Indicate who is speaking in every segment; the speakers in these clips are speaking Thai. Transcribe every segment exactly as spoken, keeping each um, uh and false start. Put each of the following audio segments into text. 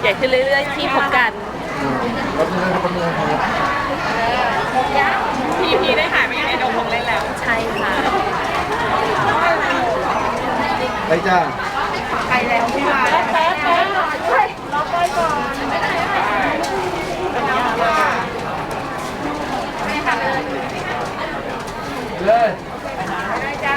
Speaker 1: ญ่ขึ้นเรื่อยๆที่พบกัน
Speaker 2: รถเมืองรถเมืองครับ
Speaker 3: พีพีได้หายไปในดงของเล่นแล้ว
Speaker 1: ใช่ค่ะ
Speaker 2: ไปจ้า
Speaker 3: ไปแล้วพี่วายแป๊บแป๊บรอไปก่อน
Speaker 2: เลย
Speaker 3: ได้จ้า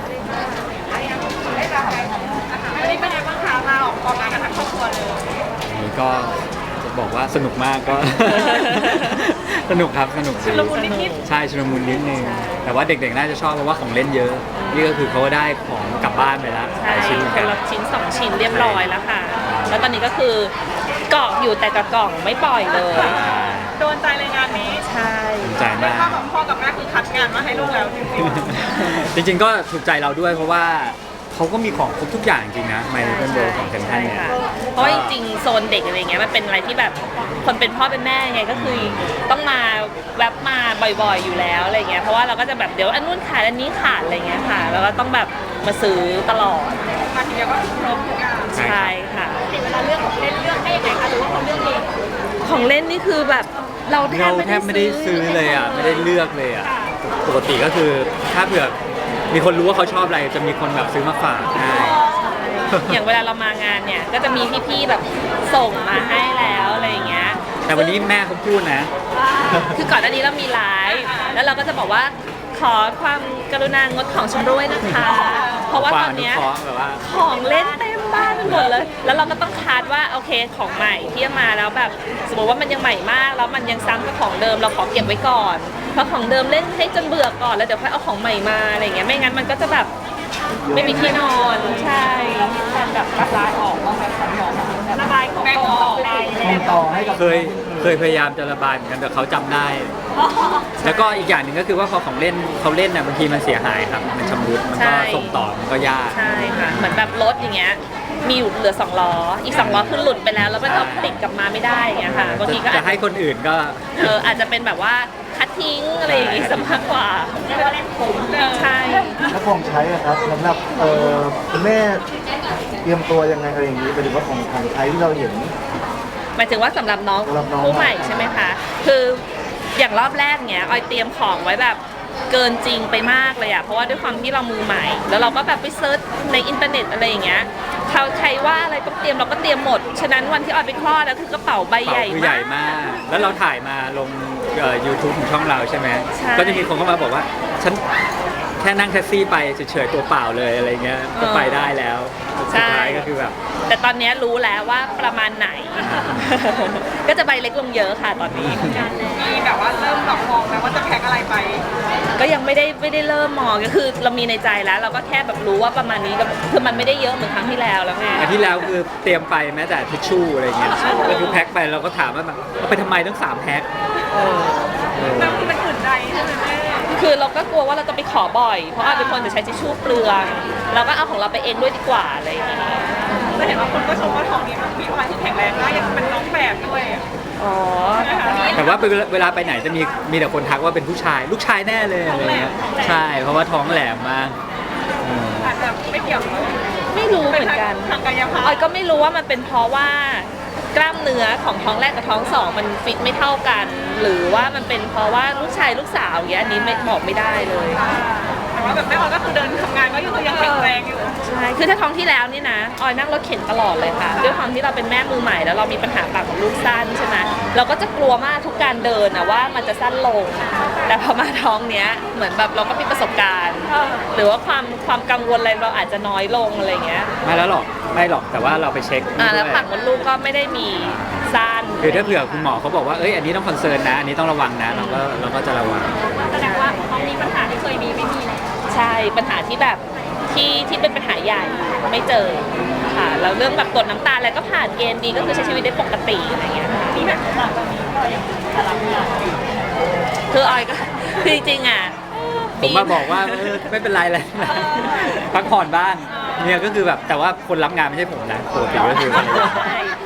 Speaker 3: ได้จ้าวันนี้เป็นไงบ้างคะมาออกกองงานกันทั้งครอบครัวเลย
Speaker 4: นี่ก็จะบอกว่าสนุกมากก็ สนุกครับสนุก
Speaker 3: ชุลมุนนิด
Speaker 4: ใช่ชุลมุนนิดนึงแต่ว่าเด็กๆน่าจะชอบเพราะว่าของเล่นเยอะนี่ก็คือเขาได้ของกลับบ้านไปแล้วห
Speaker 1: ใช่
Speaker 4: ลายชิ้นเหมือน
Speaker 1: ค
Speaker 4: กัน น
Speaker 1: ละชิ้นสองชิ้นเรียบร้อยแล้วค่ะแล้วตอนนี้ก็คือเกาะอยู่แต่กับกล่องไม่ปล่อยเลย
Speaker 3: โดนใจเลยงานนี้
Speaker 1: ใช่
Speaker 4: ภูมิใจ
Speaker 3: เรีย
Speaker 4: มาก
Speaker 3: ว่าแบบพ่อกับแม่คือคัดงานมาให้ลูกแล้วจริง
Speaker 4: จริงๆก็ถูกใจเราด้วยเพราะว่าเขาก็มีของครบทุกอย่างจริงนะไมค์เบิลโดของเซนทันเนี่ย
Speaker 1: เพราะว่าจริงๆโซนเด็กอะไรเงี้ยมันเป็นอะไรที่แบบคนเป็นพ่อเป็นแม่ไงก็คือต้องมาแวบมาบ่อยๆอยู่แล้วอะไรเงี้ยเพราะว่าเราก็จะแบบเดี๋ยวอันนู้นขาดอันนี้ขาดอะไรเงี้ยค่ะแล้วก็ต้องแบบมาซื้อตลอด
Speaker 3: ๆมาทีเดียวก็ครบทุกอย่าง
Speaker 1: ใช่ค่ะ
Speaker 3: เวลาเลือกของเล่นเลือกให้ยังไงคะหรือว่าเขาเลือกเอง
Speaker 1: ของเล่นนี่คือแบบเราแท
Speaker 4: เรา
Speaker 1: บ
Speaker 4: แทบไม่ได้ซื้อเลยอ่ะไม่ได้เลือกเลยอ่ะปกติก็คือถ้าเผื่อมีคนรู้ว่าเขาชอบอะไรจะมีคนแบบซื้อมาฝากให้
Speaker 1: อย่างเวลาเรามางานเนี่ยก็จะมีพี่ๆแบบส่งมาให้แล้วอะไรอย่างเงี้ย
Speaker 4: แต่วันนี้แม่เขาพูดนะ
Speaker 1: คือก่อนหน้านี้เรามีไลฟ์แล้วเราก็จะบอกว่าขอความกรุณางดของชำร่วยนะคะ เพราะว่าตอนเนี้ย
Speaker 4: ความอนุเคราะห์แบบว่า
Speaker 1: ของเล่นเต็มบ้านไปหมดเลย แล้วเราก็ต้องคาดว่าโอเคของใหม่ที่จะมาแล้วแบบสมมติว่ามันยังใหม่มากแล้วมันยังซ้ำกับของเดิมเราขอเก็บไว้ก่อนเพราะของเดิมเล่นให้จนเบื่อก่อนแล้วเดี๋ยวค่อยเอาของใหม่มาอะไรอย่างเงี้ยไม่งั้นมันก็จะแบบไม่มีที่นอนใช่แทนแบบระบายออกบ้างไหมคะระบายของต่อไป
Speaker 2: ส่งต่อให้กับ
Speaker 4: เคยเคยพยายามจะระบายเหมือนกันแต่เขาจำได้ แล้วก็อีกอย่างหนึ่งก็คือว่าพอของเล่นเขาเล่นน่ะบางทีมันเสียหายครับมันชำรุดมันก็ส่งต่อมันก็ยาก
Speaker 1: ใช่ค่ะเหมือนแบบรถอย่างเงี้ยมีอยู่เหลือสองล้ออีกสองล้อคือหลุดไปแล้วแล้วมันเอาติดกลับมาไม่ได้อย่างเงี้ยค่ะบางทีก็
Speaker 4: จะให้คนอื่นก็
Speaker 1: เอออาจจะเป็นแบบว่าคัดทิ้งอะไรอย่างงี้ซะมากกว่าใช่
Speaker 2: แล้วของใช้อะครับสำหรับเอ่อคุณแม่เตรียมตัวยังไงอะไรอย่างนี้ไปถึงว่าของของใช้ที่เราเห็น
Speaker 1: หมายถึงว่าสำหรับน้อง
Speaker 2: สำหรับน้อง
Speaker 1: ผู้ใหม่ใช่ไหมคะคืออย่างรอบแรกเนี้ยออยเตรียมของไว้แบบเกินจริงไปมากเลยอะเพราะว่าด้วยความที่เรามือใหม่ แล้วเราก็แบบไปเซิร์ชในอินเทอร์เน็ตอะไรอย่างเงี้ยเขาใครว่าอะไรต้องเตรียมเราก็เตรียมหมดฉะนั้นวันที่ออยไปคลอดแล้วคือกระเป๋าใบ
Speaker 4: เป๋า
Speaker 1: ใหญ่
Speaker 4: คือใหญ่
Speaker 1: มาก
Speaker 4: มาก แล้วเราถ่ายมาลงเอ่อ YouTube ของช่องเราใช่ไหม
Speaker 1: ใช่
Speaker 4: ก็จะมีคนเข้ามาบอกว่าฉันแค่นั่งแท็กซี่ไปเฉยๆตัวเปล่าเลยอะไรเงี้ยก็ไปได้แล้วสุดท้ายก็คือแบบ
Speaker 1: แต่ตอนนี้รู้แล้วว่าประมาณไหน ก็จะใบเล็กลงเยอะค่ะตอนนี้
Speaker 3: มีแบบว่าเริ่มแบบมองแล้วว่าจะแพ็คอะไรไป
Speaker 1: ก็ยังไม่ได้ไม่ได้เริ่มมองก็คือเรามีในใจแล้ว เราก็แค่แบบรู้ว่าประมาณนี้ก็คือมันไม่ได้เยอะเหมือนครั้งที่แล้วแล้วไง
Speaker 4: อันที่แล้วคือเตรียมไปแม้แต่ทิชชู่อะไรเงี้ยก็คือแพ็คไปเราก็ถามว่าแบบเอาไปทำไมต้องสามแพ็ค
Speaker 3: แล้วมันอื่นใดใช่ไหมแม่
Speaker 1: คือเราก็กลัวว่าเราจะไปขอบ่อย เพราะอาจเป็นคนจะใช้ทิชชู่เปลืองเราก็เอาของเราไปเองด้วยดีกว่าอะไรอย่างเงี้ย
Speaker 3: แต่เห็นว่าคนก็ชมว่าท้องนี้มันมีความที่แข็งแรงมากยังเป็นน้องแบบด้วย
Speaker 1: อ๋อ
Speaker 4: แต่ว่าเวลาไปไหนจะมีมีแต่คนทักว่าเป็นผู้ชาย ลูกชายแน่เลยอะไรเงี้ยใช่เพราะว่าท้องแหลมมากอืม
Speaker 3: อาจจะไม่เกี่ยวกับ
Speaker 1: ไม่รู้เหมือนกัน
Speaker 3: ทางกายภาพ
Speaker 1: ออยก็ไม่รู้ว่ามันเป็นเพราะว่ากล้ามเนื้อของท้องแรกกับท้องสองมันฟิตไม่เท่ากัน หรือว่ามันเป็นเพราะว่าลูกชายลูกสาวอย่างเงี้ยอันนี้ไม่บอกไม่ได้เลย
Speaker 3: แต่ว่าแบบแม่ออยก็คือเดินทำงานก็ยังยังแข็งแรงอยู่
Speaker 1: ใช่ คือถ้าท้องที่แล้วนี่นะ ออยนั่งรถเข็นตลอดเลยค่ะ ด้วยความที่เราเป็นแม่มือใหม่แล้วเรามีปัญหาปากกับลูกสั้นใช่ไหมเราก็จะกลัวมากทุกการเดินนะว่ามันจะสั้นลง แต่พอมาท้องเนี้ยเหมือนแบบเราก็มีประสบการณ์ หรือว่าความความกังวลอะไรเราอาจจะน้อยลงอะไรเงี้ย
Speaker 4: ไม่แล้วหรอกไม่หรอกแต่ว่าเราไปเช็ค
Speaker 1: อ่าแล้ว
Speaker 4: ด้วย
Speaker 1: ปากมดลูกก็ไม่ได้มีสั้น
Speaker 4: คือถ้าเผื่อคุณหมอเขาบอกว่าเอ้ยอันนี้ต้องคอนเซิร์นนะอันนี้ต้องระวังนะเราก็เราก็จะระวัง
Speaker 3: แสดงว่าท้องนี้ปัญหาที่เคยมีไม่มีแล้ว
Speaker 1: ใช่ปัญหาที่แบบที่ที่เป็นปัญหาใหญ่ไม่เจอค่ะแล้วเรื่องแบบตรวจน้ำตาลอะไรก็ผ่านเกณฑ์ดีก็คือใช้ชีวิตได้ปกติอะไรเงี้ยค่ะ
Speaker 3: ที่แบบหลังจากนี้ก็ยังจะรับงาน
Speaker 1: คือออยก็คือจริงๆอ่ะ
Speaker 4: ผมมาบอกว่าเออไม่เป็นไรเลยพักผ่อนบ้างเนี่ยก็คือแบบแต่ว่าคนรับงานไม่ใช่ผมนะปกติก็คือ
Speaker 1: ใช่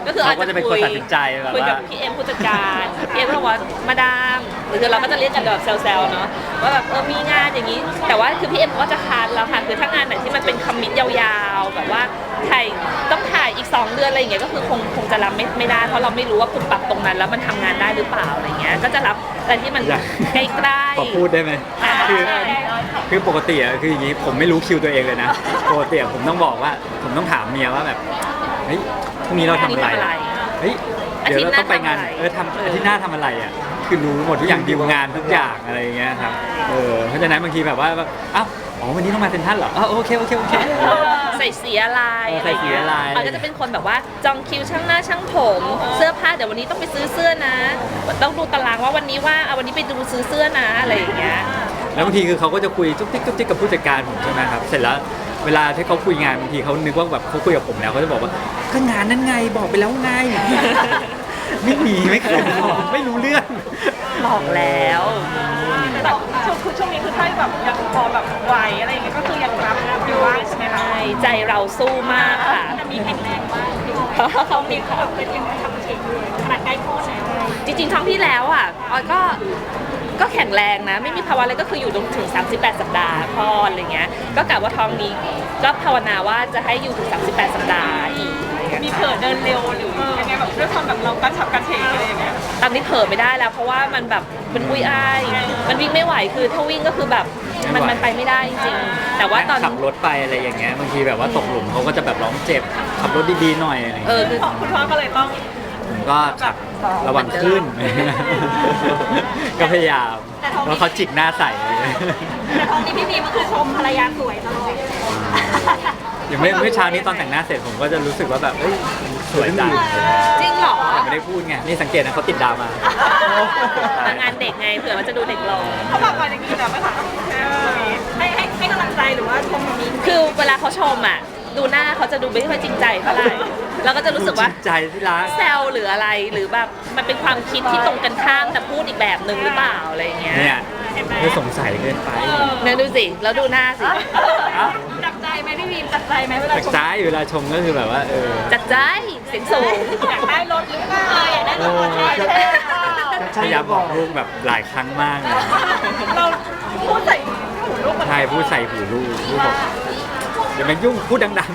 Speaker 1: ก็คืออาจ
Speaker 4: เขาก็
Speaker 1: จะ
Speaker 4: จะเป็นคนตัดสินใจแบบ
Speaker 1: คุยกับ
Speaker 4: ว่า
Speaker 1: พี่เอ็มผู้จัดการพี่เอ็มก็บอกว่ามาดามหรือเราก็จะเรียกกันแบบแซวๆเนาะว่าแบบเออมีงานอย่างนี้ แต่ว่าคือพี่เอ็มก็จะคัดแล้วค่ะคือถ้างานไหนที่มันเป็นคอมมิตยาวๆแบบว่าถ่ายต้องถ่ายอีกสองเดือนอะไรอย่างเงี้ยก็คือคงคงจะรับไม่ไม่ได้เพราะเราไม่รู้ว่าคุณปรับตรงนั้นแล้วมันทำงานได้หรือเปล่าอะไรเงี้ยก็จะรับอะไรที่มัน
Speaker 4: อยาก
Speaker 1: ใกล้ๆ
Speaker 4: ขอพูดได้ไหม
Speaker 1: อ่า
Speaker 4: คือคือปกติอะคืออย่างนี้ผมไม่รู้คิวตัวเองเลยนะปกติอะผมต้องบอกว่าผมต้องถามเมียว่าแบบเฮ้ยพรุ่งนี้เราทำอะไรอะเฮ้ยเดี๋ยวเราต้องไปงานเออทำอาทิตย์หน้าทำอะไรอ่ะคือรู้หมดทุกอย่างดีลงานทุกอย่างอะไรอย่างเงี้ยครับเออเพราะฉะนั้นบางทีแบบว่าอ้าวอ๋อวันนี้ต้องมาเซ็นทรัลเหรออ๋อโอเคโอเคโอเค
Speaker 1: ใส่สีอะไร
Speaker 4: เออใส่สีอะไร
Speaker 1: เขาก็จะเป็นคนแบบว่าจองคิวช่างหน้าช่างผม เสื้อผ้าเดี๋ยววันนี้ต้องไปซื้อเสื้อนะ ต้องดูตารางว่าวันนี้ว่าเอาวันนี้ไปดูซื้อเสื้อนะอะไรอย่างเงี้ย
Speaker 4: แล้วบางทีคือเขาก็จะคุยจุ๊กจิ๊กจุ๊กจิ๊กกับผู้จัดการผมใช่ไหมครับเสร็จแล้วเวลาที่เขาคุยงานบางทีเขานึกว่าแบบเขาคุยกับผมแล้วเขาจะบอกว่าก็งานนั้นไงบอกไปแล้วไง ไม่มีไม่เคยบอกไม่รู้เรื่อง
Speaker 1: บอกแล้ว
Speaker 3: แต่ช่วงคือช่วงนี้คือถ้าแบบยังพอแบบไหวอะไรอย่างเงี้ยก็คือยังรับอยู่บ้างใช่ไหมคะ
Speaker 1: ใช่ใจเราสู้มากค่ะ
Speaker 3: จะมีแข็งแรงบ้าง
Speaker 1: เพราะเขามี
Speaker 3: เขาแบบเป็นยังทำเฉยขนาดใกล้คลอดแล้ว
Speaker 1: จริงๆท้องที่แล้วอ่ะออยก็ก็แข็งแรงนะ ไม่มีภาวะอะไรก็คืออยู่จนถึงสามสิบแปดสัปดาห์คลอดอะไรเงี้ยก็กะว่าท้องนี้ก็ภาวนาว่าจะให้อยู่ถึงสามสิบแปดสัปดาห์อีก
Speaker 3: มีเผลอเดินเร็วหรือยังไงแบบด้วยความแบบเรากระฉับกระเฉงอะไรอย่างเงี้ย
Speaker 1: ตอนนี้เผลอไม่ได้แล้วเพราะว่ามันแบบมันอุ้ยอ้ายมันวิ่งไม่ไหวคือถ้าวิ่งก็คือแบบมันมันไปไม่ได้จริงๆแต่ว่าตอน
Speaker 4: ขับรถไปอะไรอย่างเงี้ยบางทีแบบว่าตกหลุมเขาก็จะแบบร้องเจ็บขับรถดีๆหน่อยอะไรอย่าง
Speaker 1: เอ
Speaker 4: เงี้ย
Speaker 1: อคือ
Speaker 3: คุณพ่อก็เลยต้อง
Speaker 4: ผมก็ขับระวังขึ้น ก็พยายามแล้วเขาจิกหน้าใส่
Speaker 3: แต่ตอนนี้พี่บีมันคือชมภรรยาสวยตลอด
Speaker 4: อย่างเมื่อเมื่อเช้านี้ตอนแต่งหน้าเสร็จผมก็จะรู้สึกว่าแบบเอ้ยสวยจัง
Speaker 1: จริงเหรอ
Speaker 4: แต่ไม่ได้พูดไงนี่สังเกตนะเขาติดดาวมา
Speaker 1: มางานเด็กไงเผื่อมันจะดูเด็กลง
Speaker 3: เขาบอกก่อนอย่างนี้นะไหมคะให้ให้ให้กำลังใจหรือว่าชมแบบนี้
Speaker 1: คือเวลาเขาชมอ่ะดูหน้าเขาจะดูไม่ค่อยจริงใจเท่าไหร่เราก็จะรู้สึกว่า
Speaker 4: จริงใจที่รัก
Speaker 1: แซวหรืออะไรหรือแบบมันเป็นความคิดที่ตรงกันข้ามแต่พูดอีกแบบหนึ่งหรือเปล่าอะไรอย่างเงี้ย
Speaker 4: เนี่ยคือสงสัยเกินไป
Speaker 1: เนี่ยดูสิแล้วดูหน้าสิ
Speaker 3: จับใจไหมพี่บีมจับใจไหมเวลา
Speaker 4: จาก
Speaker 3: ชม
Speaker 4: ซ้ายเวลาชมก็คือแบบว่าเออ
Speaker 1: จัดใจเสียงสูง
Speaker 3: อยากได้รถหรือเปล่าอยากได้รถ
Speaker 2: โอ้
Speaker 3: ใช่
Speaker 2: จะ
Speaker 3: ไหม
Speaker 4: พยายามบอกลูกแบบหลายครั้งมากเลย
Speaker 3: เราพูดใส่หูลูกเหมือน
Speaker 4: ใช่พูดใส่หูลูกลูกบอกเดี๋ยวมันยุ่งพูดดัง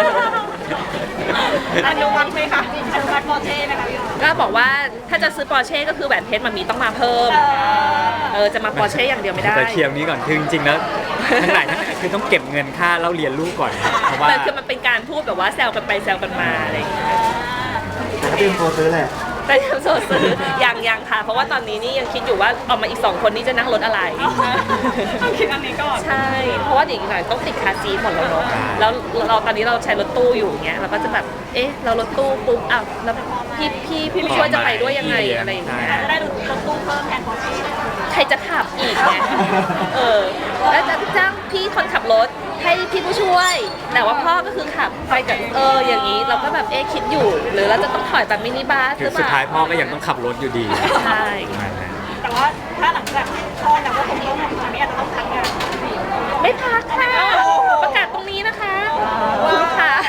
Speaker 3: อนุมัติไหมคะอนุมัติโมเช่ไหมคะพี่
Speaker 1: ก็บอกว่าถ้าจะซื้อปอร์เช่ก็คือแหวนเพชรมันมีต้องมาเพิ่มเออจะมาปอร์เช่อย่างเดียวไม่ได้
Speaker 4: แต่เคลียร์นี้ก่อนคือจริงๆแล้วทั้งหลายทั้งหลายคือต้องเก็บเงินค่าเล่าเรียนลูกก่อนเพราะว่า
Speaker 1: มันคือมันเป็นการพูดแบบว่าแซวกันไปแซวกันมาอะไรอย่างเงี้ย
Speaker 2: แต่ก็เป็นโปรซื้อแหละ
Speaker 1: แต่ยังโซซื้อยังยังค่ะ เพราะว่าตอนนี้นี่ยังคิดอยู่ว่าออกมาอีกสองคนนี้จะนั่งรถอะไร
Speaker 3: ต้องคิดอันนี้ก่อน
Speaker 1: ใช่ เพราะว่าเดี๋ยวอีกหน่อยต้องติดคาร์ซีทหมดแล้วเนาะแล้วเราตอนนี้เราใช้รถตู้อยู่เงี้ยเราก็จะแบบเอ๊ะเรารถตู้ปุ๊บอ้าวแล้วพี่พี่พี่ผู้ช่วยจะไปด้วยยังไงอะไรอย่างเงี้ย
Speaker 3: จะได้รถตู้เพิ่มแทนโมเช่
Speaker 1: ใครจะขับอีกไงเออแล้วจะจ้างพี่คนขับรถให้พี่ผู้ช่วย แต่ว่าพ่อก็คือขับไปกับเอออย่างนี้เราก็แบบเอ๊ะคิดอยู่ หรือเราจะต้องถอยแบบมินิบัสห
Speaker 4: คื
Speaker 1: รือ อเป
Speaker 4: สุด
Speaker 1: ล่า
Speaker 4: ท้ายพ่อก็ยังต้องขับรถอยู่ดี
Speaker 1: ใช่
Speaker 3: แต่ว่าถ้าหลังจากคลอดแล้วก็คงต้องทำนี้อาจจะต้องพักงาน
Speaker 1: ไม่พักค่ะประกาศตรงนี้นะคะคุณลูกค้า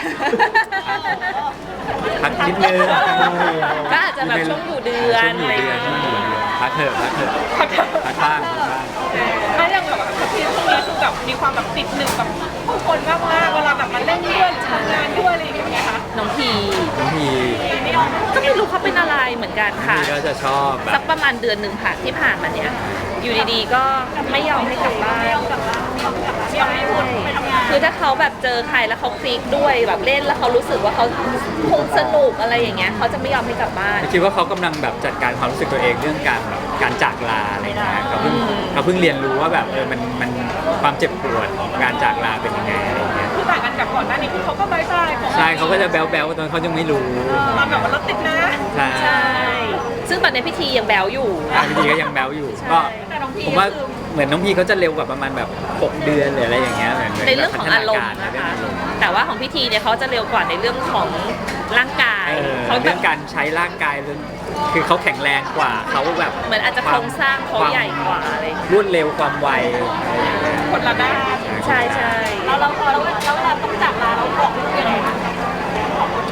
Speaker 4: พักนิดนึง
Speaker 1: ก็อาจจะแบบช่วงอยู่เดือน
Speaker 4: ช่วงอยู่เดือนช่วงอยู่เดือนพักเถอะพักเถอะพักบ้างพักบ้าง
Speaker 3: ถ้าอย่างแบบพี่ช่วงนี้คือแบบมีความแบบติดหนึ่งกับผู้คนมากมากเวลาแบบมาเล่นด้วยทำงานด้วยอะไรอย่างเงี้ยค่ะ
Speaker 1: น้องพี
Speaker 4: บางที
Speaker 3: ไม่ออก
Speaker 1: ก็ไม่รู้เขาเป็นอะไรเหมือนกัน
Speaker 4: บาง
Speaker 1: ค่ะ
Speaker 4: ทีก็จะชอบแบ
Speaker 1: สั
Speaker 4: บ
Speaker 1: กประมาณเดือนหนึ่งผ่านที่ผ่านมาเนี้ยอยู่ดีๆก็ไม่ยอมให้กลับบ้าน
Speaker 3: ไม่ยอมกลับบ้านไม่ยอมกลับบ้านไม่ยอมให้พูดไปทำงาน
Speaker 1: คือถ้าเขาแบบเจอใครแล้วเขาคลิกด้วยแบบเล่นแล้วเขารู้สึกว่าเขาคงสนุกอะไรอย่างเงี้ยเขาจะไม่ยอมให้กลับบ้าน
Speaker 4: คิดว่าเขากำลังแบบจัดการความรู้สึกตัวเองเรื่องการแบบการจากลาอะไรอย่างเงี้ยเขาเพิ่งเขาเพิ่งเรียนรู้ว่าแบบเออมันมันความเจ็บปวดของการจากลาเป็นยังไงอะไรอย่างเงี้ย
Speaker 3: คือต่างกันกับก่อนหน้านี้คือเขาก็บายบาย
Speaker 4: ใช่เขาก็จะแบ๊วแบ๊วๆตอนเขายังไม่รู้
Speaker 3: ตอนแบบว่ารถติดนะ
Speaker 4: ใช่
Speaker 1: ใช่ซึ่งตอนในพิธียังแบวอยู่
Speaker 4: บางทีก็ยังแบ๊วอยู่ก็
Speaker 3: แต่น้องพี
Speaker 4: ผมว่าเหมือนน้องพี่เขาจะเร็วกว่าประมาณแบบหกเดือนหรืออะไรอย่างเงี้ยเหมือน
Speaker 1: ในเรื่องของอารมณ์
Speaker 4: ใน
Speaker 1: นะ
Speaker 4: เรื่อง
Speaker 1: คะ
Speaker 4: อารมณ์
Speaker 1: แต่ว่าของพิธีเนี่ยเขาจะเร็วกว่าในเรื่องของร่างกาย
Speaker 4: เออ
Speaker 1: เขาแบ
Speaker 4: เรื่
Speaker 1: บ
Speaker 4: องการใช้ร่างกายเรื่องคือเขาแข็งแรงกว่าเขาแบบ
Speaker 1: เหมือนอาจจะโครงสร้างเขาใหญ่กว่าอะไรอย่างเงี้ย
Speaker 4: รวดเร็วความไวอะไรอย่างเงี้ย
Speaker 3: คนละด้าน
Speaker 1: ใช่ใช่
Speaker 3: แล้วเราเราเราเวลาต้องจากลาเราบอกลูกยังไงคะ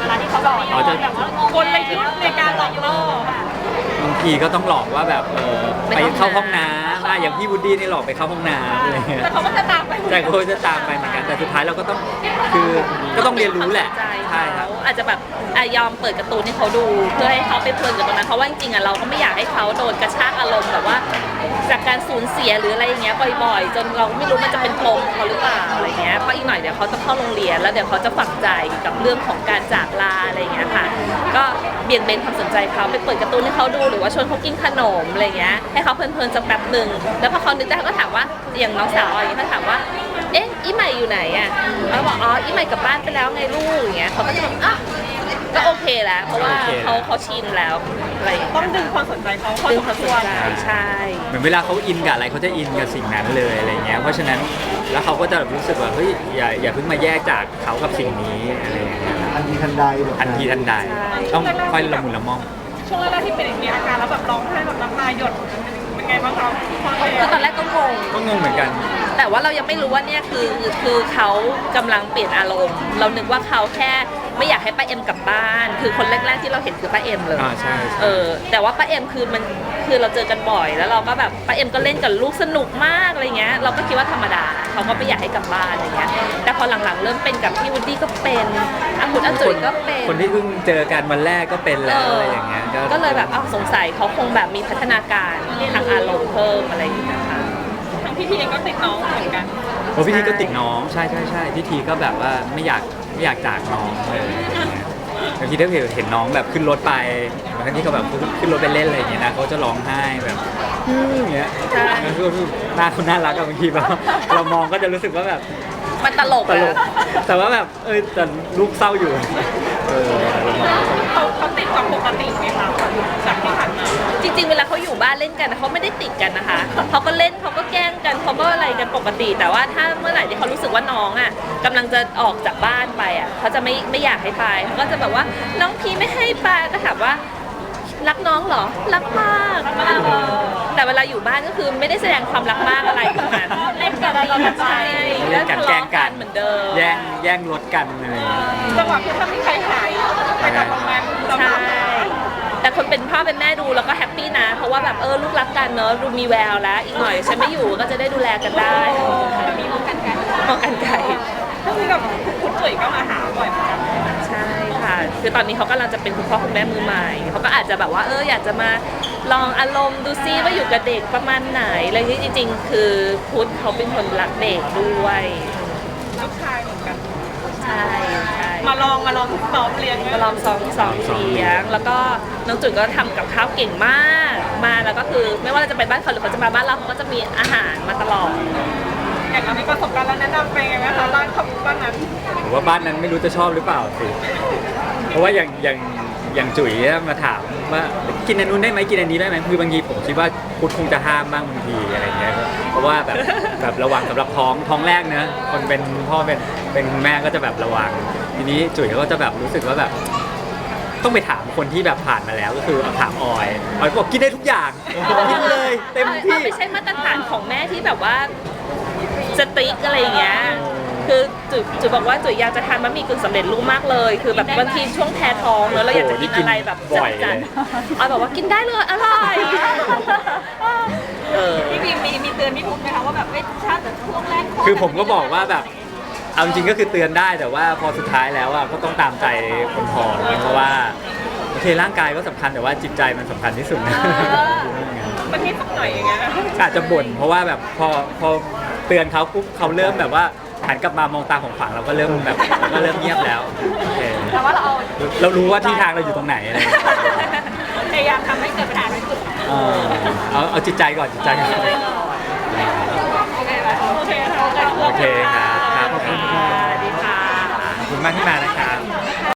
Speaker 3: ลาที่เขาบอกเราแบบว่ากลยุทธ์ในการหลอกล่อบ
Speaker 4: างทีก็ต้องหลอกว่าแบบเออไปเข้าห้องน้ำอ่ะอย่างพี่วูดดี้นี่หลอกไปเข้าห้องน้ำอะไรเงี้ย
Speaker 3: แต่เขาก็จะตามไป
Speaker 4: แต่ก็จะตามไปเหมือนกันแต่สุดท้ายเราก็ต้องคือก็ต้องเรียนรู้แหละ
Speaker 1: ใช่
Speaker 4: ใช่ครับ
Speaker 1: อาจจะแบบอ่ะยอมเปิดการ์ตูนให้เขาดูเพื่อให้เขาไปเพลินกับตรงนั้นเพราะว่าจริงๆอ่ะเราก็ไม่อยากให้เขาโดนกระชากอารมณ์แบบว่า จากการสูญเสียหรืออะไรอย่างเงี้ยบ่อยๆ จนเราไม่รู้มันจะเป็นปมเขาหรือเปล่าอะไรเงี้ยเพราะอีกหน่อยเดี๋ยวเขาจะเข้าโรงเรียนแล้วเดี๋ยวเขาจะฝังใจกับเรื่องของการจากลาอะไรอย่างเงี้ยค่ะก็เบี่ยงเบนความสนใจเขาไปเปิดการ์ตูนให้เขาดูหรือว่าชวนเขากินขนมอะไรเงี้ยให้เขาเพลินๆสักแป๊บหนึ่งแล้วพอเขานึกได้เขาก็ถามว่าอย่างน้องสาวอย่างเงี้ยเขาถามว่าเอ๊ะอีใหม่อยู่ไหนอ่ะเขาบอกอ๋ออีใหม่กลับบ้านไปแล้วไงลูกอย่างเงี้ยเขาก็จะแบบอ่ะก็โอเคแล้วเพราะว่าเขาเขาชินแล้วอะไรอย่าง
Speaker 3: ต้
Speaker 1: เงี้
Speaker 3: อง
Speaker 1: ย
Speaker 3: ดึงความสนใจเขาพอ
Speaker 1: ดึง
Speaker 3: ส
Speaker 1: ความ
Speaker 3: ม
Speaker 1: ส
Speaker 3: คน วร
Speaker 1: ใจใช่
Speaker 4: เหมือนเวลาเขาอินกับอะไรเขาจะอินกับสิ่งนั้นเลยอะไรเงี้ยเพราะฉะนั้นแล้วเขาก็จะรู้สึกว่าเฮ้ยอย่าอย่าเพิ่งมาแยกจากเขากับสิ่งนี้อะไรอย่างเงี้ยครับ
Speaker 2: ทันทีทันใดแบบ
Speaker 4: ทันทีทันใดต้องค่อยละมุนละม่อม
Speaker 3: ช่วงแรกๆที่เป็นมีอาการแล้วแบบร้องไห้แบบน้ำตาหยดเป็นไงบ้างครับ
Speaker 1: คือตอนแรกก็งง
Speaker 4: ก็งงเหมือนกัน
Speaker 1: แต่ว่าเรายังไม่รู้ว่าเนี่ยคือคือเขากำลังเปลี่ยนอารมณ์ เรานึกว่าเขาแค่ไม่อยากให้ป้าเอ็มกลับบ้าน คือคนแรกๆที่เราเห็นคือป้าเอ็มเลย
Speaker 4: อ่าใช่ใช่
Speaker 1: เออแต่ว่าป้าเอ็มคือมันคือเราเจอกันบ่อย แล้วเราก็แบบป้าเอ็มก็เล่นกับลูกสนุกมากอะไรเงี้ยเราก็คิดว่าธรรมดาเขาก็ไม่อยากให้กลับบ้านอะไรเงี้ยแต่พอหลังๆเริ่มเป็นกับพี่วูดดี้ก็เป็นอาคุณอาจุ๋ยก็เป็น
Speaker 4: คนที่เพิ่งเจอกันวันแรกก็เป็นแล้ว
Speaker 1: เออ
Speaker 4: อะไรอย่างเงี้ย
Speaker 1: ก็เลยแบบอ้าวสงสัยเขาคงแบบมีพัฒนาการทางอารมณ์เพิ่มอะไรอย่างเงี้ยค่ะ
Speaker 3: ทั้งพี่ทีเองก็ติดน้องเหมือนกัน
Speaker 4: โอ้พี่ทีก็ติดน้องใช่ใช่ใช่พี่ทีก็แบบว่าไม่อยากไม่อยากจากน้องเลยบางทีถ้าเห็นน้องแบบขึ้นรถไปบางทีเขาแบบขึ้นรถไปเล่นอะไรอย่างเงี้ยนะเขาจะร้องไห้แบบอื้ออย่างเงี้ย
Speaker 1: ใช่
Speaker 4: แล้วก็หน้าคุณน่ารักอะบางทีแบบเรามองก็จะรู้สึกว่าแบบ
Speaker 1: มันตลก
Speaker 4: ตลก
Speaker 1: อะ
Speaker 4: แต่ว่าแบบเออแต่ลูกเศร้าอยู่เออเรามอง
Speaker 3: เขาเขาติดกว่าปกติไหมคะจากที่ผ่านมา
Speaker 1: จริงๆ เวลาเขาอยู่บ้านเล่นกันเขาไม่ได้ติดกันนะคะ เขาก็เล่นเขาก็แกล้งกันเขาก็อะไรกันปกติ แต่ว่าถ้าเมื่อไหร่ที่เขารู้สึกว่าน้องอ่ะกำลังจะออกจากบ้านไปอ่ะเขาจะไม่ไม่อยากให้ไปเขาก็จะแบบว่าน้องพีไม่ให้ไปก็ถามว่ารักน้องเหรอรักมากแต่เวลาอยู่บ้านก็คือไม่ได้แสดงความรักมากอะไรทั้งนั้นเล่นกันเราก็ใช่
Speaker 4: เล่นกันแกล้งกัน
Speaker 1: เหมือนเดิม
Speaker 4: แย่งแย่งรถกันอะไรอย่างเงี้ย
Speaker 3: จังหวะคือถ้ามีใครหายไปจากตรงนั้นเรา
Speaker 1: ใช่
Speaker 3: ก็
Speaker 1: แต่คนเป็นพ่อเป็นแม่ดูแล้วก็แฮปปี้นะ เพราะว่าแบบเออลูกรักกันเนอะดูมีแววแล้ว อีกหน่อยฉันไม่อยู่ก็จะได้ดูแลกันได้
Speaker 3: มีมองกันกัน
Speaker 1: มองกันไกล
Speaker 3: ก็คือแบบคุณจุ๋ยก็มาหาบ่อยเหมือนกัน
Speaker 1: ใช่ค่ะ คือตอนนี้เขากำลังจะเป็นคุณพ่อคุณแม่มือใหม่เขาก็อาจจะแบบว่าเอออยากจะมาลองอารมณ์ดูซิว่าอยู่กับเด็กประมาณไหนอะไรที่จริง ๆ คือพุทธเขาเป็นคนรักเด็กด้วย
Speaker 3: ลูกชายเหมือนกัน
Speaker 1: ใช่ใช่
Speaker 3: มาลองมาลองซ้อมเรียน
Speaker 1: ก็ลองซ้อมซ้อมเสียง แล้วก็น้องจุ๋ยก็ทำกับข้าวเก่งมาก มาแล้วก็คือไม่ว่าเราจะไปบ้านเขาหรือเขาจะมาบ้านเราเขาก็จะมีอาหารมาตลอด
Speaker 3: อย่างเรามีประสบการณ์แล้วแนะนำไปไงไหมคะบ้านเขาบ้านนั้น
Speaker 4: ผมว่าบ้านนั้นไม่รู้จะชอบหรือเปล่าสิ เพราะว่าอย่างอย่างอย่างจุ๋ยมาถามว่ากินอันนู้นได้ไหมกินอันนี้ได้ไหมคือบางทีผมคิดว่าพุทธคงจะห้ามบ้างบางทีอะไรเงี้ยเพราะว่าแบบแบบระวังสำหรับท้องท้องแรกเนอะคนเป็นพ่อเป็นเป็นคุณแม่ก็จะแบบระวัง ทีนี้จุ๋ยก็จะแบบรู้สึกว่าแบบ ต้องไปถามคนที่แบบผ่านมาแล้วก็คือถามออยออยก็บอกกินได้ทุกอย่างกินเลยเต็มที่
Speaker 1: ไม่ใช่มาตรฐานของแม่ที่แบบว่าสติ๊กอะไรอย่างเงี้ย คือจุ๋ยจุ๋ยบอกว่าจุ๋ยอยากจะทานบะหมี่กึ่งสำเร็จรูปมากเลย คือแบบบางทีช่วงแพ้ท้องแล้วเราอยากจะกินอะไรแบบ
Speaker 4: บ่อย
Speaker 1: จั
Speaker 4: เล
Speaker 1: ด
Speaker 4: ย
Speaker 1: ๆออยบอกว่ากินได้เลยอร่อยเออ
Speaker 3: พี่บีมมีมีเตือนพี่พุทธไหมคะว่าแบบเอ้ยถ้าช่วงแรก
Speaker 4: คือผมก็บอกว่าแบบเอาจริงๆก็คือเตือนได้แต่ว่าพอสุดท้ายแล้วอ่ะก็ต้องตามใจคนพอเพราะว่าโอเคร่างกายก็สำคัญแต่ว่าจิตใจมันสำคัญที่สุดนะ
Speaker 3: มันนิดสักหน่อยอย่างเงี้ย
Speaker 4: อาจจะบ่นเพราะว่าแบบพอพอเตือนเขาปุ๊บเขาเริ่มแบบว่าหันกลับมามองตาของขวางเราก็เริ่มแบบเราก็เริ่มเงียบแล้วโอเค
Speaker 3: แต่ว่าเราเอา
Speaker 4: เรารู้ว่าที่ทางเราอยู่ตรงไหนอะไรอย่างเงี้ย
Speaker 3: พยายามทำให้เกิดปัญหาที่สุด
Speaker 4: เออเอาเอาจิตใจก่อนจิตใจก่อน
Speaker 3: โอเคค่ะ
Speaker 4: โอเคครับครับขอบคุณ
Speaker 1: สวัสดีค่ะ
Speaker 4: ขอบคุณมากที่มานะครับ